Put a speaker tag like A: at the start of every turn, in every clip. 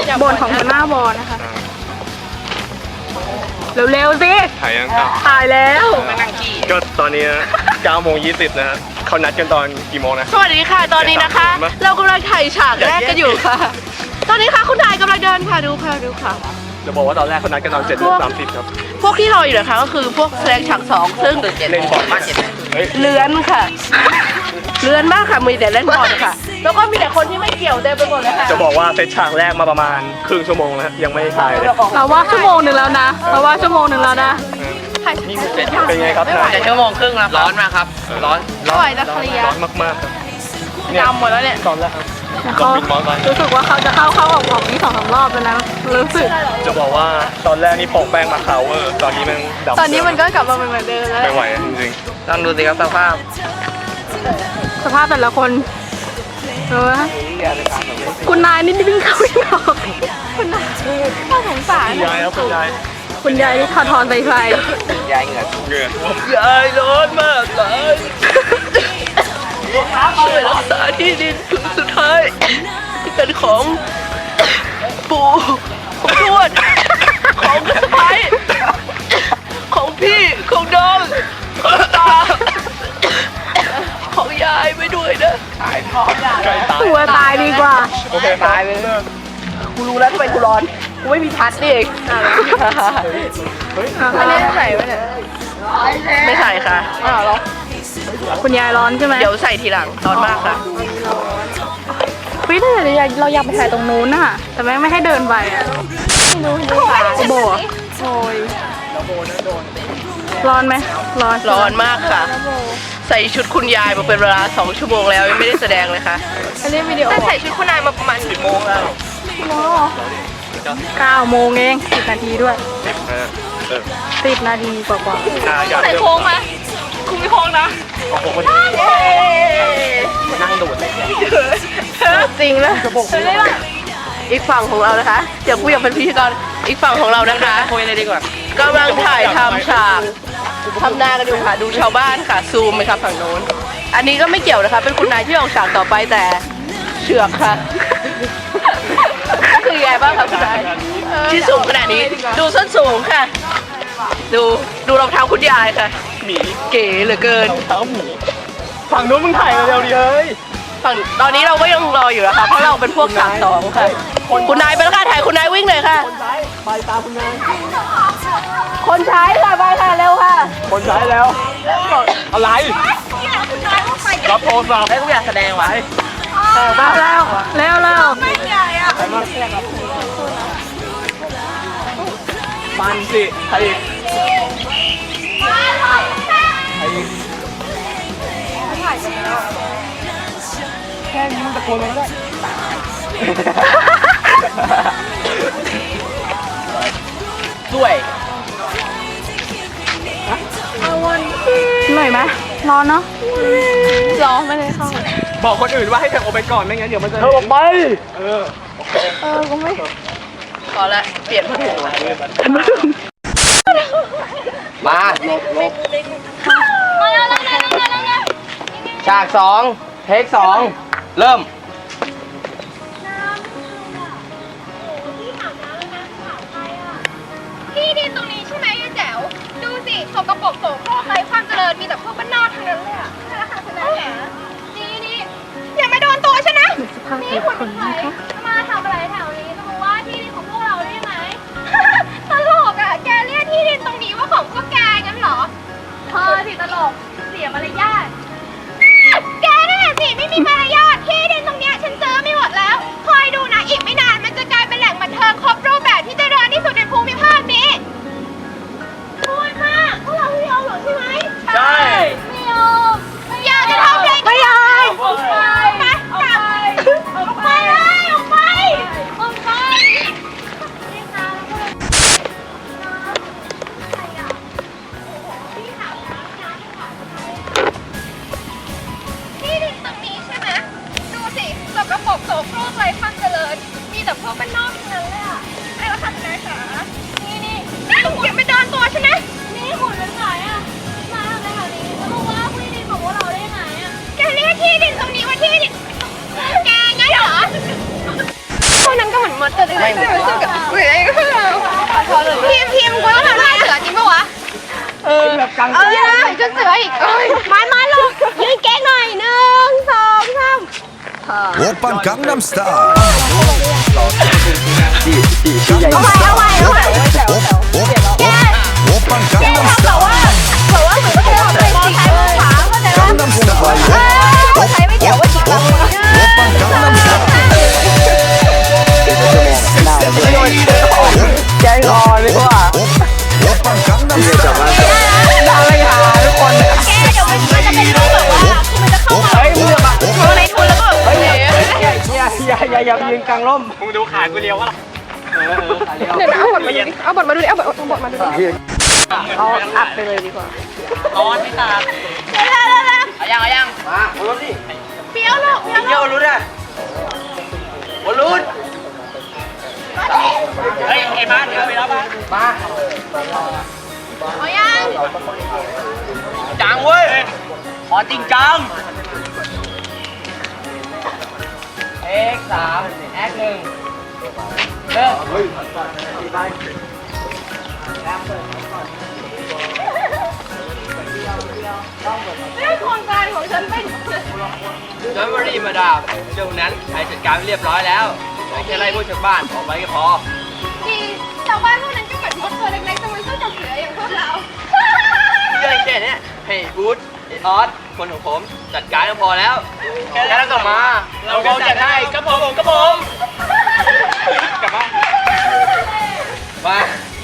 A: บ่นของหัวหน้าบอนะคะเร็วๆสิ
B: ถ่ายยัง
A: ถ่ายแล้ว
B: ก็ตอนนี้9:20นะฮะเขานัดกันตอนกี่โมงนะ
C: สวัสดีค่ะตอนนี้นะคะ เรากำลังถ่ายฉากแรกกันอยู่ค่ะ ตอนนี้ค่ะคุณนายกำลังเดินค่ะดูค่ะ
B: จะบอกว่าตอนแรกเขานัดกันตอน7:30ครับ
C: พวกที่รออยู่นะคะก็คือพวกแสดงฉาก2ซึ่ง
B: เล่นบอลมากเฮ้ย
C: เลื้อนค่ะเลื้อนมากค่ะมีแต่เล่นบอลค่ะแล้วก็มีแต่คนที่ไม่เกี่ยวเต็มไปหมดเลยค่ะ
B: จะบอกว่าเซตฉากแรกมาประมาณครึ่งชั่วโมงแล้วยังไม่ถ่ายเลย
A: เราว่าชั่วโมงหนึ่งแล้วนะนะ
B: เป็นไงครับนาย
D: จะชั่วโมงครึ่งแล้วร้อนมากครับ ร้อน
C: ไม่ไหวจะเคลียร์
B: ร้อนมากๆครับ
C: ดำหมดแล้วเนี่ย
B: ตอนแรกครับ
A: เขา
B: บินมอสไซค์
A: รู้สึกว่าเขาจะเข้าออกนี่2-3 รอบแล้วนะรู้สึก
B: จะบอกว่าตอนแรกนี่โปะแป้งมาขาวเวอร์ตอนนี้มันดำ
A: ตอนนี้มันก็กลับมาเป็นเหมือนเดิมแล้ว
B: ไม่ไหวจริง
D: ลองดูสิครับสภาพ
A: สภาพแต่ละคนคุณนายนี่วิ่งเข้าวิ่งออกคุณนายน่าสงสาร
B: ๆยายครับคุณยาย
A: คุณยายนี่ทอนไป
D: ยายเหงื่อ
B: เหงื่อย
C: ายร้อนมากเลยช่วยรักษาที่ดินถึงสุดท้ายที่เป็นของปู่ของทวดของสะใภ้ของพี่ของน้องของตาของยายไปด้วยนะ
B: ใกล้ตาย
A: ตัวตายดีกว่า
B: โอเคตายไปเลิก
C: กูรู้แล้วทำไมกูร้อนกูไม่มีพัดนี่เอง
B: เฮ้ย
C: อันนี้ใส่ไหมเนี่ยไม่ใส่ค่ะ
A: คุณยายร้อนใช่ไหม
C: เดี๋ยวใส่ทีหลังร้อนมากค่ะ
A: พี่ถ้าเราอยากไปถ่ายตรงนู้นน่ะแต่แม่งไม่ให้เดินไปอ่ะโบอ่ะโอยร้อนไหมร้อน
C: ร้อนมากค่ะ ใส่ชุดคุณยายมาเป็นเวลา2 ชั่วโมงแล้วยังไม่ได้แสดงเลยค่ะ
A: อันนี้วิดีโอ
C: แต่ใส่ชุดคุณนายมาประมาณ10 โมงแล้ว
A: 9 โมงเอง10 นาทีด้วย 10 นาทีกว่า
C: ใส่โค้งไหมคุณมีโค้งนะ
B: นั่งดูดเลย
C: จริงนะอีกฝั่งของเรานะคะเดี๋ยวกูอยากเป็นพิธีกรอีกฝั่งของเรานะคะ
D: คุยเลยดีกว่าก
C: ำลังถ่ายทำฉากทำหน้ากันอยู่ค่ะดูชาวบ้านค่ะซูมไปครับฝั่งโน้นอันนี้ก็ไม่เกี่ยวนะคะเป็นคุณนายที่ออกฉากต่อไปแต่เชือกค่ะก็คือแย่บ้างค่ะคุณนายที่สูงขนาดนี้ดูส้นสูงค่ะ ดูรองเท้าคุณยายค่ะ
B: หมี
C: เก๋เหลือเกิน
B: เท้าหมีฝั่งนู้นมึงถ่ายเร็วๆดิเฮ้ย
C: ฝั่งตอนนี้เราก็ยังรออยู่นะคะเพราะเราเป็นพวกฉาก2ค่ะคุณนายไปแล้วค่ะถ่ายคุณนายวิ่งเลยค่ะ
B: ไปตามคุณนาย
C: คนใช้ค่ะไปค่ะเร็วค่ะ
B: คนใช้แล้ว อะไรรับโทรศัพท์
D: ให้ทุกอย่างแสดงไว้
A: ๆมาแล้ว
B: มันสิใครอีกแค่นี้มันตะโกนมาก็ได้
D: ด้วย
A: เหนื่อยไหมร้อนเนาะร้อนไม่ได้เข้า
B: บอกคนอื่นว่าให้เธอออกไปก่อนไม่งั้นเดี๋ยวมันจะเธอออกไป
A: ก็ไม่
C: พอละเปลี่ยนผ้าถุง
D: มาฉาก2 เทค 2 เริ่ม
E: ที่ดินตรงนี้ใช่ไหมยายแจ๋วดูสิสกปรกโสโครกไร้ความเจริญมีแต่พวกบ้านนอกทั้งนั้นเลยอ่ะใช่แล้วค่ะคุณนายแจ๋วนี่อย่ามาโดนตัวฉันนะนี่คุณเป็นใครมาทำอะไรแถวนี้จะมาว่าที่ดินของพวกเราได้ไหม ตลกอ่ะแกเรียกที่ดินตรงนี้ว่าของพวกแกงั้นเหรอเธอสิตลกเสียมารยาทแกนั่นแหละสิไม่มีมารยาทที่ดินตรงเนี้ยฉันซื้อไม่หมดแล้วคอยดูนะอีกไม่นานมันจะกลายเป็นแหล่งบันเทิงครบรูปแบบที่เจริญที่สุดในภูมิภาคนี้พูดมากพวกเราไม่ยอมหรอกใช่ไหมใช่ไม่ยอมอยากจะทำอะไรไม่ยอมออกไปออกไปเลยออกไปออกไปที่ดินตรงนี้ใช่ไหมดูสิสกปรกโสโครกไร้ความเจริญมีแต่พวกบ้านนอกทั้งนั้นเลยอ่ะไอ้เราทำอะไรคะนี่อย่าไปเดินตัวฉันนะนี่หุ่นเป็นไงอ่ะมาทำอะไรแถวนี้แล้วมาว่าที่ดินของพวกเราได้ไงอ่ะแกเรียกที่ดินตรงนี้ว่าที่ดินแกงั้นเหรอพวกนั้นก็เหมือนมันเกิดอะไรขึ้นพิมพ์กูต้องทำท่าเสือจริงปะวะ
D: แบบกลาง
E: ยืนจนเสืออีกมาลงยืนเก๊กหน่อย1 2 3
F: 오빤 강남스타일
E: เอาไว้
F: 오빤
E: แกทำแบบว่าเหมือนก็เธอไปมองซ้ายมองขวาเข้าใจปะ
F: 강남스타일
E: ใช้ไม่เจ๋วว่าจิกเรา
F: 오빤 강남스타일
D: แกงอ่อนดีกว่า
F: 오빤 강남스타일
D: ดาวไม่หาทุกคนเลย
E: แกเดี๋ยวมันจะเป็นรูปแบบว่าคือมันจะเข้ามา
D: เฮ้ยมึงอะ
E: เข้าในทุนแล้วก็
D: เฮ้ยอย่ายืนกลางร่ม
B: มึงดูขากูเลี้ยววะล่ะ
A: เดี๋ยวนะเอาบทมาดูดิเอาบทมาดูดิเอาบทมาดูดิเอาอัดไปเลยดีกว่า
B: ตอนไม่ตา
D: เอายังมาโอ้รถดิ
E: เปรี้ยวลูกเปรี้ยว
D: เยี่ยวรุดอ่ะโอ้รุด
B: เฮ้ยไอ้บ้านเดี๋ยวไปแล้วบ้าน
D: มา
E: เอายัง
D: จังเว้ยขอจริงจังเอ็ก3แอค1เริ่ม
E: เรื่องโครงการของฉันเป็น
D: จนวรีมาดามเรื่องนั้นใช้จัดการเรียบร้อยแล้วแค่ไล่พวกชาวบ้านออกไปก็พอ
E: ดีชาวบ้านพวกนั้นก็เหมือนมดตัวเล็กๆแต่มันสู้กับเสืออย่างพวกเรา
D: เรื่องแค่นี้ให้บูธไอออสคนของผมจัดการก็พอแล้วแค่นั้นก็มา
B: เราก็จัดให้กระผมกระผมกลับบ้าน
D: มา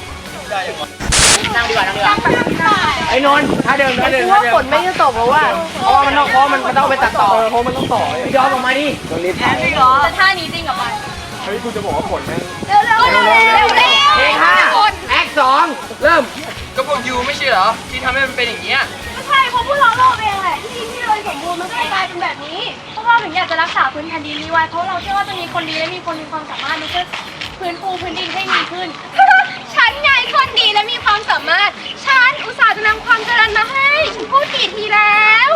D: นั่งดีกว่านั่งดีกว่า
C: ไอ้นนท์ถ้าเดิม
A: ว่าฝนไม่จะตกเพราะว่า
D: เพราะว่ามันต้องไปตัดต่อเพราะมันต้องต่อยอมออกมาดิ
E: แต่ท่านี้จริงกับมัน
B: เฮ้ยกูจะบอกว่าผลแม่ง
E: เร็วๆ
D: เพลง
E: คน
D: 5แอค2เริ่มก็พวกยูไม่ใช่เหรอที่ทำให้มันเป็นอย่างเงี้ย
E: ใช่เพราะพวกเราโลภเองแหละที่เลยสมบูรณ์มันก็เลยกลายเป็นแบบนี้พวกเราถึงอยากจะรักษาพื้นแผ่นดินนี้ไว้เพราะเราเชื่อว่าจะมีคนดีและมีคนมีความสามารถในการฟื้นฟูพื้นดินให้ดีขึ้น ฉันไงคนดีและมีความสามารถฉันอุตส่าห์จะนำความเจริญมาให้ฉันพูดกี่ทีแล้ว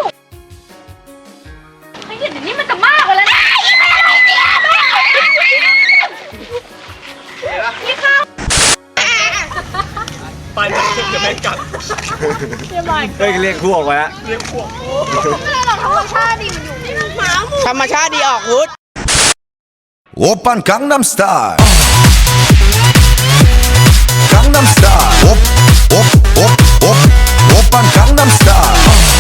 E: เฮ้ยเดี๋ยวนี้มันจะมากกว่าแล้วนะยิ่งไปอะไรเนี่ยนี่ค่ะ
B: ไปมันเดี๋ยวแม่งกัด
F: เฮ้ยเรียกพวกไว้อะ
B: เรียกพวก
E: ไม่ได้หรอกธรรมชาติดีมันอยู่หมาหมู
C: ธรรมชาติดีออกวุฒ
F: 오빤 강남스타일 강남스타일 오빤 강남스타일